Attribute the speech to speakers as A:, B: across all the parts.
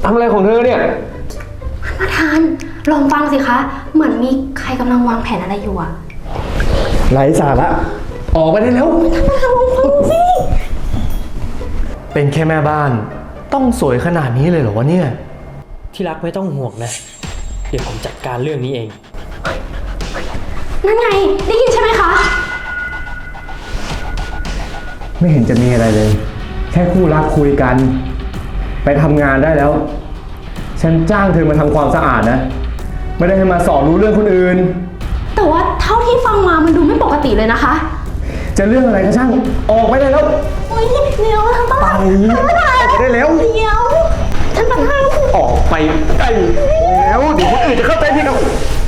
A: ทำอะไรของเธอเนี่ย
B: ประธานลองฟังสิคะเหมือนมีใครกำลังวางแผนอะไรอยู่อะ
A: ไร้สาระออกไปได้แล้ว
B: ท่านประธานลองฟังสิ
A: เป็นแค่แม่บ้านต้องสวยขนาดนี้เลยเหรอวะเนี่ย
C: ที่รักไม่ต้องห่วงนะเดี๋ยวผมจัดการเรื่องนี้เอง
B: นั่นไงได้ยินใช่ไหมคะ
A: ไม่เห็นจะมีอะไรเลยแค่คู่รักคุยกันไปทำงานได้แล้วฉันจ้างเธอมาทำความสะอาดนะไม่ได้ให้มาสอนรู้เรื่องคนอื่น
B: แต่ว่าเท่าที่ฟังมามันดูไม่ปกติเลยนะคะ
A: จะเรื่องอะไรก็ช่างออกไปได้แล้ว
B: โอ้ยเดี๋ยวท่านประธาน
A: ได้แล้ว
B: เดี๋ยวท่านประธาน
A: ออกไปได้แล้วเดี๋ยวคนอื่นจะเข้าใจผิดเอา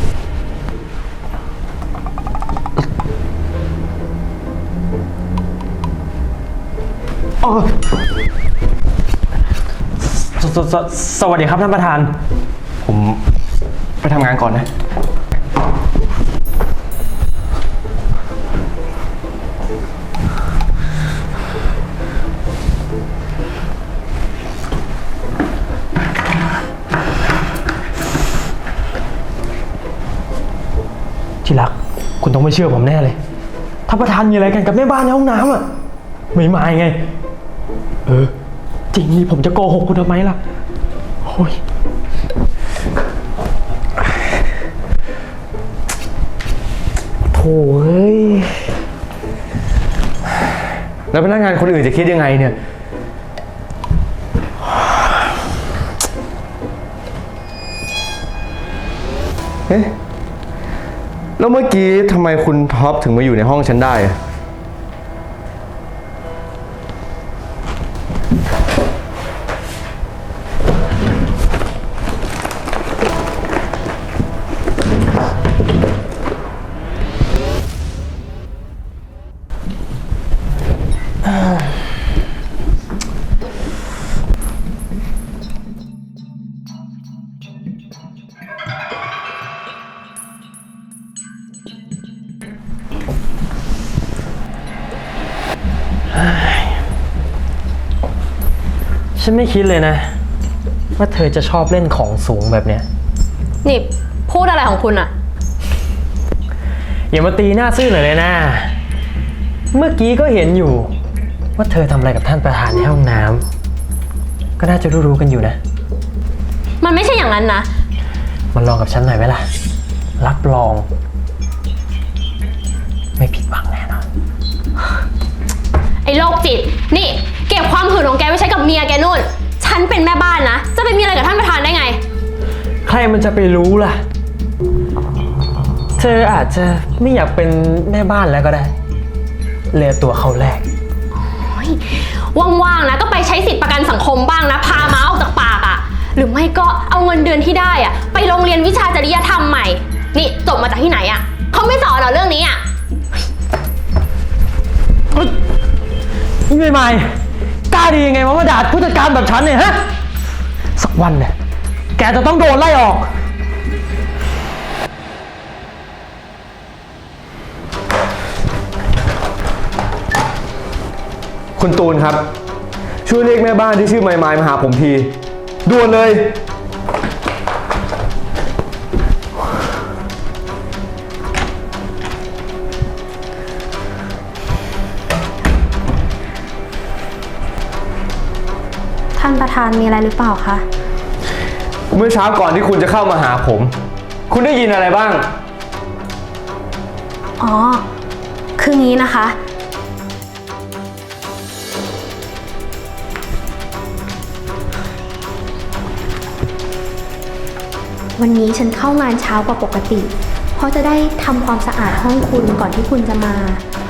C: สวัสดีครับท่านประธาน
A: ผมไปทำงานก่อนนะ
C: ที่รักคุณต้องไม่เชื่อผมแน่เลยท่านประธานมีอะไรกันกับแม่บ้านในห้องน้ำอ่ะไม่มาไงจริงนี่ผมจะโกหกคุณทำไมล่ะโอ้ยโถ่เอ้ย
A: แล้วพนักงานคนอื่นจะคิดยังไงเนี่ยเอ๊ะแล้วเมื่อกี้ทำไมคุณท็อปถึงมาอยู่ในห้องฉันได้
C: ฉันไม่คิดเลยนะว่าเธอจะชอบเล่นของสูงแบบเนี้ย
B: นี่พูดอะไรของคุณอะ
C: อย่ามาตีหน้าซื่อหน่อยเลยนะเมื่อกี้ก็เห็นอยู่ว่าเธอทำอะไรกับท่านประธานในห้องน้ำก็น่าจะรู้กันอยู่นะ
B: มันไม่ใช่อย่างนั้นนะ
C: มันลองกับฉันหน่อยไหมล่ะรับรองไม่ผิดหวังแน่นอน
B: ไอ้โรคจิตนี่เก็บความหื่นของแกไว้ใช้กับเมียแกนู่นฉันเป็นแม่บ้านนะจะไปมีอะไรกับท่านประธานได้ไง
C: ใครมันจะไปรู้ล่ะเธออาจจะไม่อยากเป็นแม่บ้านแล้วก็ได้เลียตัวเขาแรก
B: ว่างๆนะก็ไปใช้สิทธิประกันสังคมบ้างนะพาม้าออกจากปากอ่ะหรือไม่ก็เอาเงินเดือนที่ได้อ่ะไปโรงเรียนวิชาจริยธรรมใหม่นี่จบมาจากที่ไหนอ่ะเขาไม่สอนเหรอเรื่องนี้อ่ะ
C: ไม่กล้าดียังไงวะมาด่าผู้จัดการแบบฉันเนี่ยฮะสักวันเนี่ยแกจะต้องโดนไล่ออก
A: คุณตูนครับช่วยเรียกแม่บ้านที่ชื่อไมล์มาหาผมทีด่วนเลย
B: ท่านประธานมีอะไรหรือเปล่าคะ
A: เมื่อเช้าก่อนที่คุณจะเข้ามาหาผมคุณได้ยินอะไรบ้าง
B: อ๋อคืองี้นะคะวันนี้ฉันเข้างานเช้ากว่าปกติเพราะจะได้ทำความสะอาดห้องคุณก่อนที่คุณจะมา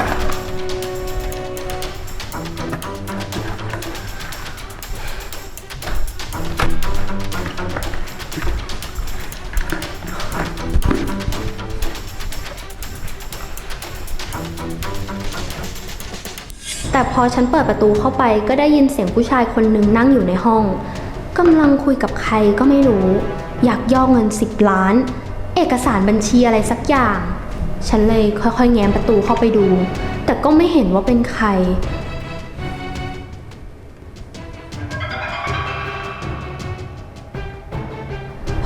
B: แต่พอฉันเปิดประตูเข้าไปก็ได้ยินเสียงผู้ชายคนหนึ่งนั่งอยู่ในห้องกำลังคุยกับใครก็ไม่รู้อยากย่อเงิน10 ล้านเอกสารบัญชีอะไรสักอย่างฉันเลยค่อยๆแง้มประตูเข้าไปดูแต่ก็ไม่เห็นว่าเป็นใคร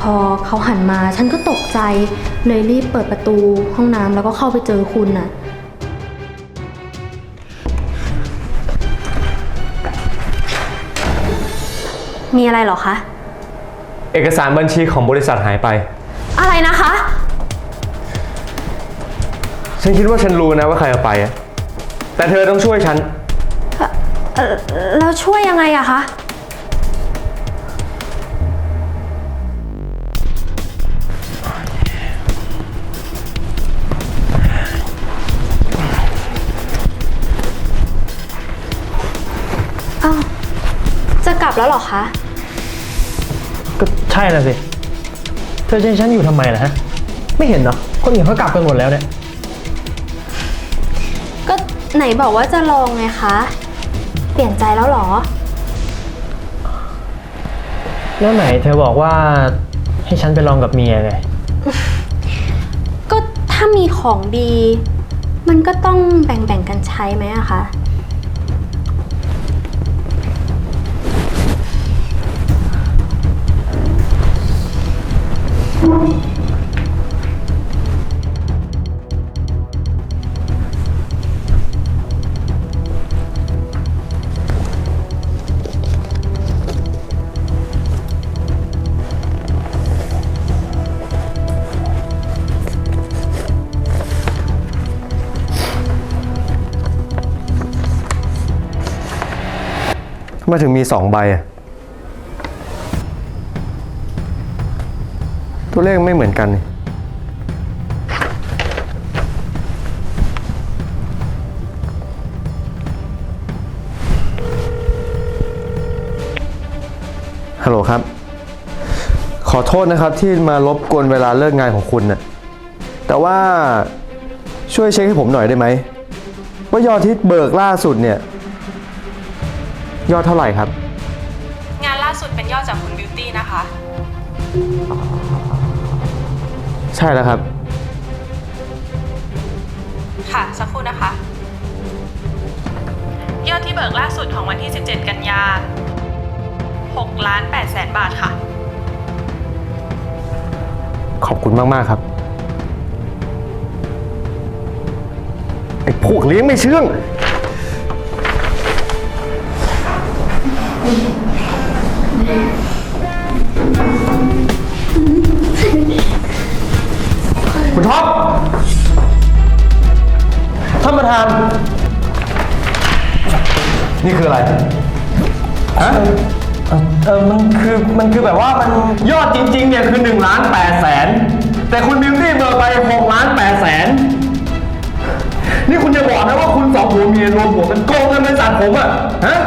B: พอเขาหันมาฉันก็ตกใจเลยรีบเปิดประตูห้องน้ำแล้วก็เข้าไปเจอคุณน่ะ มีอะไรเหรอคะ
A: เอกสารบัญชีของบริษัทหายไป
B: อะไรนะคะ
A: ฉันคิดว่าฉันรู้นะว่าใครเอาไปอะแต่เธอต้องช่วยฉัน
B: แล้วช่วยยังไงอะคะ อ้าว จะกลับแล้วเหรอคะ
C: ก็ใช่น่ะสิ เธอจะให้ฉันอยู่ทำไมล่ะฮะ ไม่เห็นเหรอ คนอื่นเขากลับกันหมดแล้วเนี่ย
B: ก็ไหนบอกว่าจะลองไงคะ เปลี่ยนใจแล้วเหรอ
C: แล้วไหนเธอบอกว่าให้ฉันไปลองกับเมียไง
B: ก็ถ้ามีของดี มันก็ต้องแบ่งๆกันใช้ไหมอะคะ
A: ทำไมถึงมี2 ใบอะตัวเลขไม่เหมือนกันนี่ฮัลโหลครับ ขอโทษนะครับที่มารบกวนเวลาเลิกงานของคุณน่ะแต่ว่าช่วยเช็คให้ผมหน่อยได้ไหมว่ายอดที่เบิกล่าสุดเนี่ยยอดเท่าไหร่ครับ
D: งานล่าสุดเป็นยอดจากคุณบิวตี้นะคะ
A: ใช่แล้วครับ
D: ค่ะ สักครู่นะคะ ยอดที่เบิกล่าสุดของวันที่ 17 กันยา6,800,000 บาทค่ะ
A: ขอบคุณมาก ๆ ครับ ไอ้พวกเลี้ยงไม่เชื่อง คุณท็อป ท่านประธาน นี่คืออะไร ฮะ มันคือแบบว่ามันยอดจริง ๆ เนี่ยคือ1,800,000แต่คุณบิวตี้เบิกไป6,800,000นี่คุณจะบอกนะว่าคุณ2 ผัวเมียรวมหัวกันโกงเงินบริษัทผมอะฮะ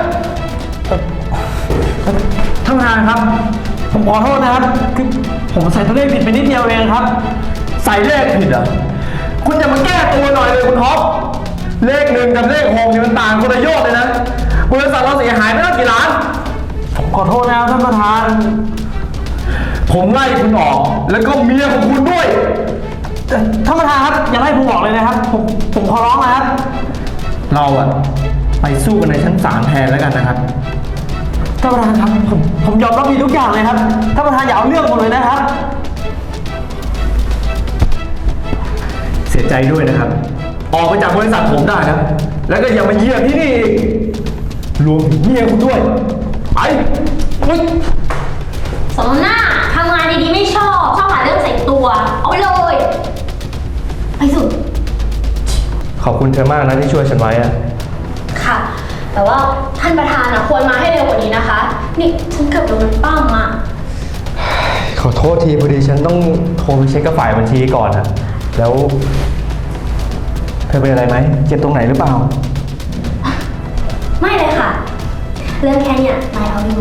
C: ท่านประธานครับ ผมขอโทษนะครับ คือผมใส่ตัวเลขผิดไปนิดเดียวเองครับ
A: ใส่เลขผิดเหรอ คุณจะมาแก้ตัวหน่อยเลยคุณท็อป เลข1กับเลข6เนี่ยมันต่างคนละโยชน์เลยนะ บริษัทเราเสียหายไม่ตั้งกี่ล้าน
C: ผมขอโทษนะครับท่านประธาน
A: ผมไล่คุณออก แล้วก็เมียของคุณด้วย
C: ท่านประธานครับอย่าไล่ผมออกเลยนะครับ ผมขอร้องนะครับ
A: เราอะไปสู้กันในชั้นศาลแทนแล้วกันนะครับ
C: ท่านประธานครับผมยอมรับผิดทุกอย่างเลยครับท่านประธานอย่าเอาเรื่องผมเลยนะครับ
A: เสียใจด้วยนะครับ ออกไปจากบริษัทผมได้นะ แล้วก็อย่ามาเยี่ยมที่นี่อีกรวมถึงเมียคุณด้วย ไปเฮ้ย
B: สมหน้าทำงานดีๆไม่ชอบหาเรื่องใส่ตัว เอาไปเลย ไปสุด
A: ขอบคุณเธอมากนะที่ช่วยฉันไว้อะ
B: ค่ะ แต่ว่าท่านประธานอะควรมาให้เร็วกว่านี้นะคะ นี่ฉันเกือบโดนมันปั้มอะ
A: ขอโทษทีพอดีฉันต้องโทรไปเช็คกับฝ่ายบัญชีก่อนนะแล้ว เธอเป็นอะไรไหมเจ็บตรงไหนหรือเปล่า
B: ไม่เลยค่ะ เรื่องแค่เนี้ยนายเอาอยู่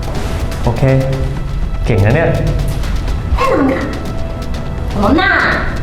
A: โอเค เก่งนะเนี่ย
B: แน่นอนค่ะสมหน้า